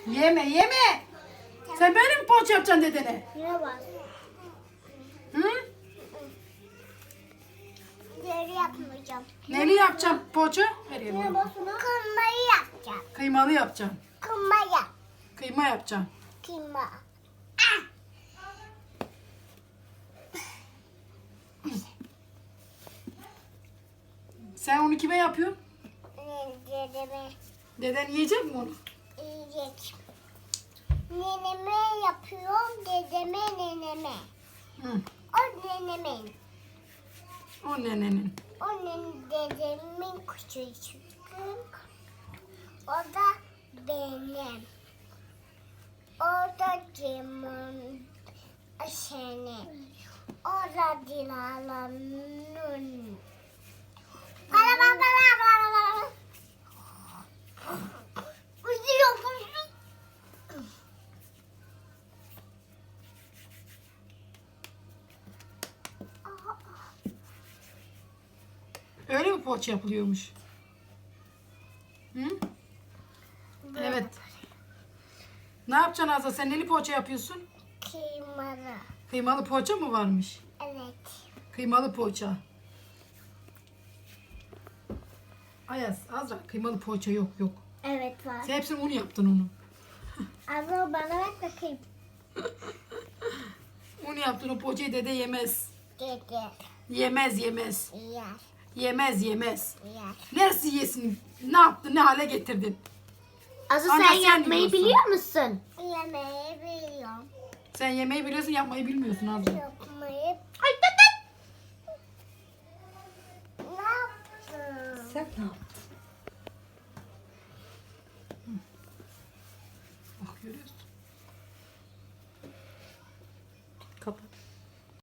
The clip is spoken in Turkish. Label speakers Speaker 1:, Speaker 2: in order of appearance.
Speaker 1: Yeme yeme. Sen böyle mi poğaça yapacaksın dedene?
Speaker 2: Ne var?
Speaker 1: Hı?
Speaker 2: Deri yapmayacağım.
Speaker 1: Neli yapacaksın poğaça? Nereye
Speaker 2: Ne
Speaker 1: koy?
Speaker 2: var? Kıymayı yapacağım.
Speaker 1: Kıymalı yapacaksın.
Speaker 2: Kıyma.
Speaker 1: Kıyma yapacaksın.
Speaker 2: Kıyma.
Speaker 1: Sen onu kime yapıyorsun?
Speaker 2: Dedeme
Speaker 1: Deden yiyecek mi onu?
Speaker 2: yiyecek. Neneme yapıyorum. Dedeme neneme.
Speaker 1: Hı.
Speaker 2: O nenemin.
Speaker 1: O nenenin.
Speaker 2: Dedemin küçücük. O da benim. O da Cem'in. Senin. O da Dilan'ın. Uzuyor.
Speaker 1: Öyle mi poğaça yapılıyormuş? Hı? Evet. Ne yapacaksın Azra? Sen neli poğaça yapıyorsun?
Speaker 2: Kıymalı.
Speaker 1: Kıymalı poğaça mı varmış?
Speaker 2: Evet.
Speaker 1: Kıymalı poğaça. Ayaz, Azra kıymalı poğaça yok yok.
Speaker 2: Evet var.
Speaker 1: Sen hepsini un yaptın onu.
Speaker 2: Abla bana bak bakayım.
Speaker 1: Un yaptın o poğaçayı dede yemez.
Speaker 2: Dede.
Speaker 1: Yemez yemez.
Speaker 2: Yer.
Speaker 1: Yemez yemez.
Speaker 2: Yer.
Speaker 1: Neresi yesin? Ne yaptın? Ne hale getirdin?
Speaker 3: Azu
Speaker 1: Anne,
Speaker 3: sen
Speaker 1: sen
Speaker 3: yapmayı
Speaker 1: yiyorsun.
Speaker 3: biliyor musun?
Speaker 2: Yemeği biliyorum.
Speaker 1: Sen yemeği biliyorsun, yapmayı bilmiyorsun Azra.
Speaker 2: Yapmayı
Speaker 3: Ay tut tut.
Speaker 2: ne yaptın?
Speaker 3: Sen ne yaptın?
Speaker 1: Bak görüyorsun.